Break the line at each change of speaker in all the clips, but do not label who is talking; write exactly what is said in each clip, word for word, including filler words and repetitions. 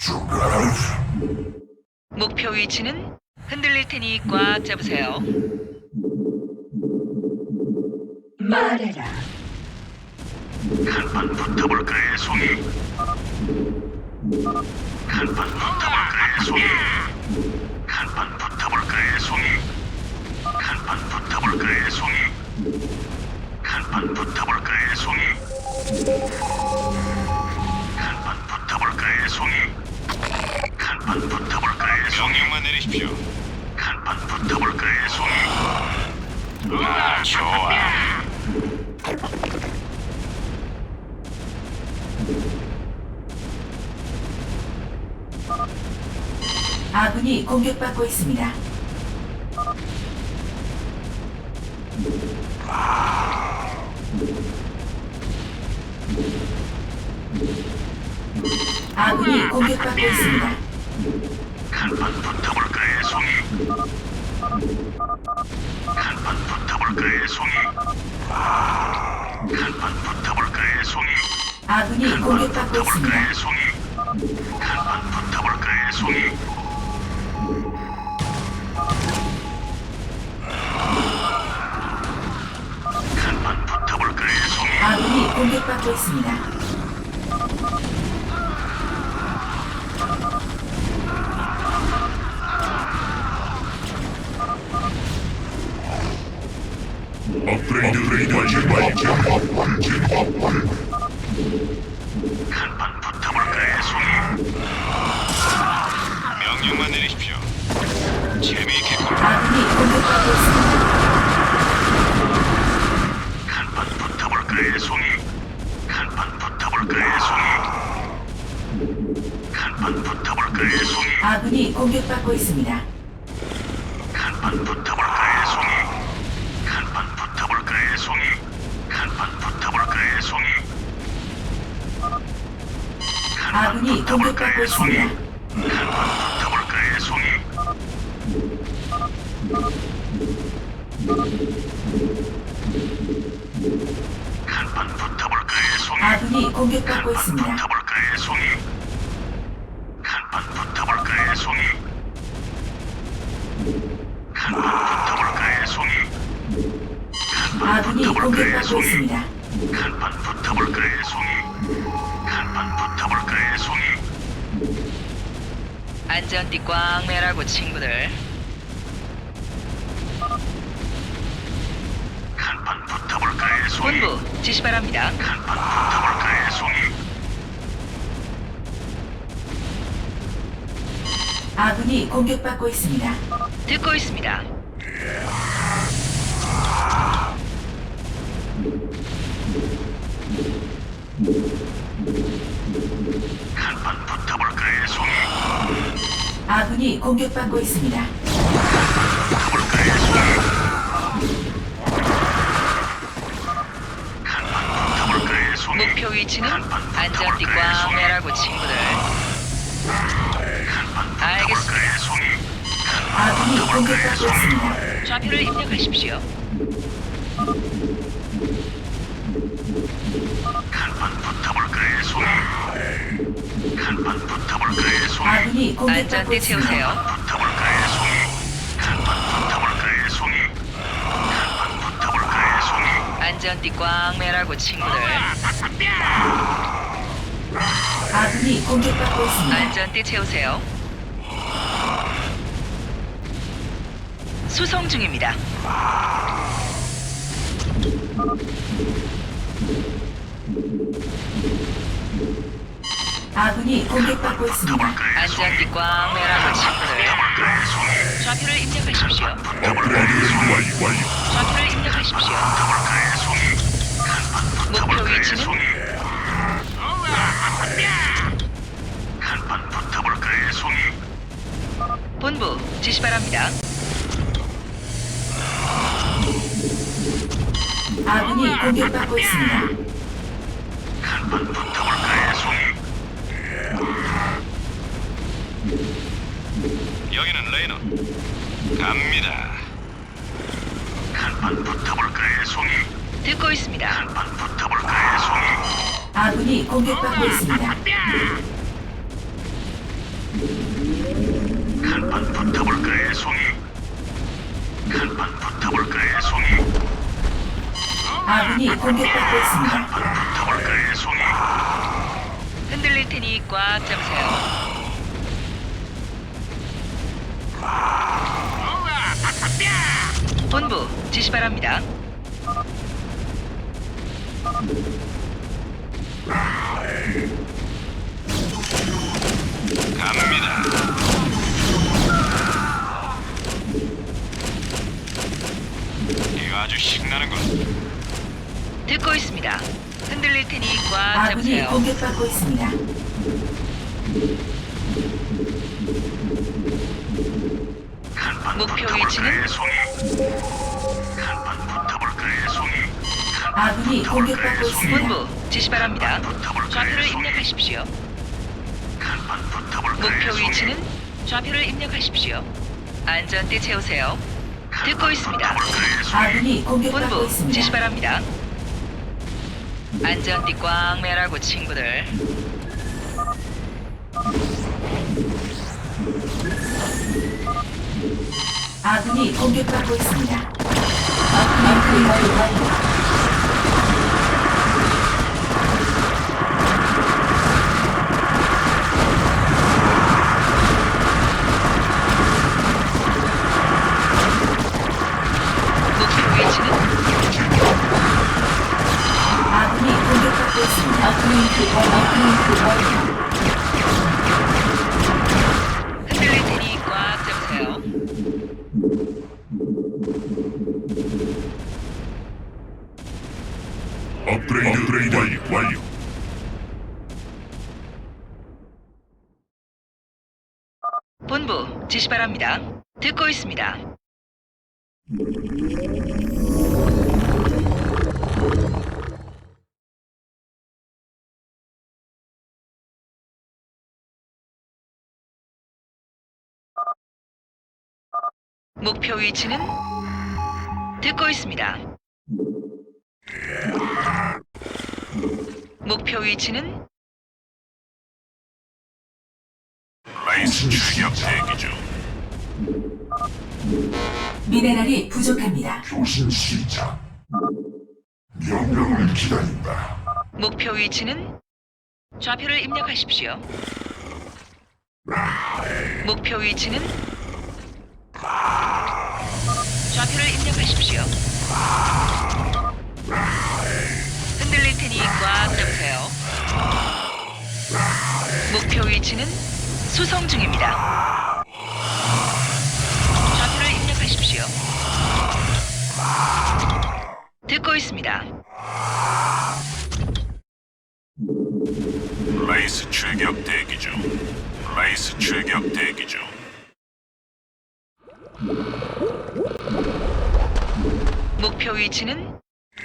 목표 위치는 흔들릴 테니 꽉 잡으세요.
말해라.
한판 붙어볼까요, 송이? 한판 붙어볼까요, 송이? 한판 붙어볼까요, 송이? 한판 붙어볼까요, 송이? 한판 붙어볼까요, 송이? 한판 붙어볼까요, 송이? 한판 붙어볼까요, 송이?
명령만 내리십시오.
한판 붙어볼까요, 송이?
아, 좋아.
아군이 공격받고 있습니다. 아군이 공격받고 있습니다.
한판 붙어볼까요, 송이? 한판 붙어볼까요, 송이? 한판 붙어볼까요, 송이?
아군이 공격받고 있습니다.
붙어볼까요, 송이? 한판 붙어볼까요, 송이? 한판 붙어볼까요, 송이?
아군이 공격받고 있습니다.
업그레이드 완료.
한판 붙어볼까요, 송이?
명령만 내리십시오. 재미있겠군.
아군이 공격받고 있습니다.
한판 붙어볼까요, 송이? 한판 붙어볼까요, 송이? 한판 붙어볼까요, 송이?
아군이 공격받고 있습니다.
한판 붙어볼까요, 송이? 한판 붙어볼까요, 송이? 한판 붙어볼까요, 송이?
아군이 공격받고 있습니다.
한판 붙어볼까요, 송이? 한판 붙어볼까요, 송이?
아군이 공격받고 있습니다.
붙어볼까요, 송이? 한판 붙어볼까요, 송이? 한판 붙어볼까요, 송이?
아군이 공격받고 있습니다.
한판 붙어볼까요, 송이? 한판 붙어볼까요, 송이?
안전띠 꽝 매라고 친구들.
한판 붙어볼까요, 송이?
본부 지시 바랍니다.
한판 붙어볼까요, 송이?
아군이 공격받고 있습니다.
듣고 있습니다.
한판 붙어볼까요, 송이?
아군이 공격받고 있습니다.
붙어볼까요, 송이? 한판 붙어볼까요, 송이?
목표 위치는
한판
안전띠
붙어볼까요,
꽝
송이?
매라고 친구들.
한판
알겠습니다.
붙어볼까요, 송이?
아군이 공격받고 있습니다.
좌표를 입력하십시오.
한판 붙어볼까요, 송이? 한판 붙어볼까요, 송이?
아군이 공격받고
안전띠
있습니다.
채우세요.
붙어볼까요, 송이? 한판 붙어볼까요, 송이? 한판 붙어볼까요, 송이?
안전띠 꽝 매라고 친구들.
아군이 공격받고 있습니다.
안전띠 채우세요. 수송 중입니다.
아군이 공격받고 있습니다.
안전띠 꽝 매라고 친구들.
붙어볼까요, 송이?
좌표를 입력하십시오.
업그레이드 완료.
좌표를 입력하십시오.
붙어볼까요, 송이? 한판
목표
붙어볼까요,
위치는
송이? 한판 붙어볼까요, 송이?
본부 지시 바랍니다.
아군이 공격받고 있습니다.
한판 붙어볼까요, 송이?
여기는 레이너. 갑니다.
한판 붙어볼까요, 송이?
듣고 있습니다.
한판 붙어볼까요, 송이?
아군이 공격받고 있습니다.
한판 붙어볼까요, 송이? 한판 붙어볼까요, 송이?
아군이 공격받고 있습니다.
한판 붙어볼까요, 송이?
흔들릴 테니 꽉 잡으세요. 본부 지시 바랍니다.
갑니다. 이거 아주 신나는군.
듣고 있습니다. 흔들릴 테니 꽉
아군이
잡으세요.
공격받고 있습니다.
한판
목표
붙어볼까요,
위치는?
송이? 한판 붙어볼까요, 송이?
아군이 공격받고 있습니다.
본부 지시 바랍니다. 좌표를 입력하십시오.
한판 붙어볼까요,
목표
송이?
위치는 좌표를 입력하십시오. 안전띠 채우세요. 듣고 있습니다.
붙어볼까요, 송이?
아군이 공격받고
본부
있습니다.
지시 바랍니다. 안전띠 꽉 매라고 친구들.
아군이 공격받고 있습니다. 아군이 공격받고
목표 위치는
아군이 공격받고 있습니다. 아군이 아군이
흔들릴 테니 꽉 잡으세요.
업그레이드 업그레이드 완료. 완료.
본부 지시 바랍니다. 듣고 있습니다. 목표 위치는 듣고 있습니다. 목표 위치는
라이스 출격 대기 중.
미네랄이 부족합니다.
교신 시작. 명령을 기다린다.
목표 위치는 좌표를 입력하십시오. 목표 위치는 좌표를 입력하십시오. 흔들릴 테니 꽉 잡으세요. 목표 위치는 수송 중입니다. 좌표를 입력하십시오. 듣고 있습니다.
라이스 출격 대기 중. 라이스 출격 대기 중.
목표 위치는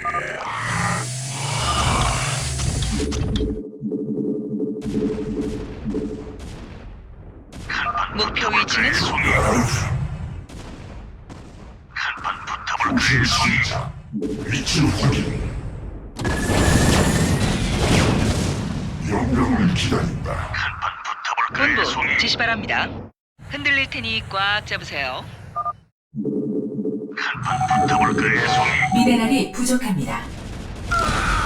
목표 위치는
한판 붙어볼까요,
교신
송이?
시작. 위치를 확인. 명령을 기다린다.
한판 붙어볼까요, 송이?
본부 지시 바랍니다. 흔들릴 테니 꽉 잡으세요.
한판 붙어볼까요, 송이?
미네랄이 부족합니다.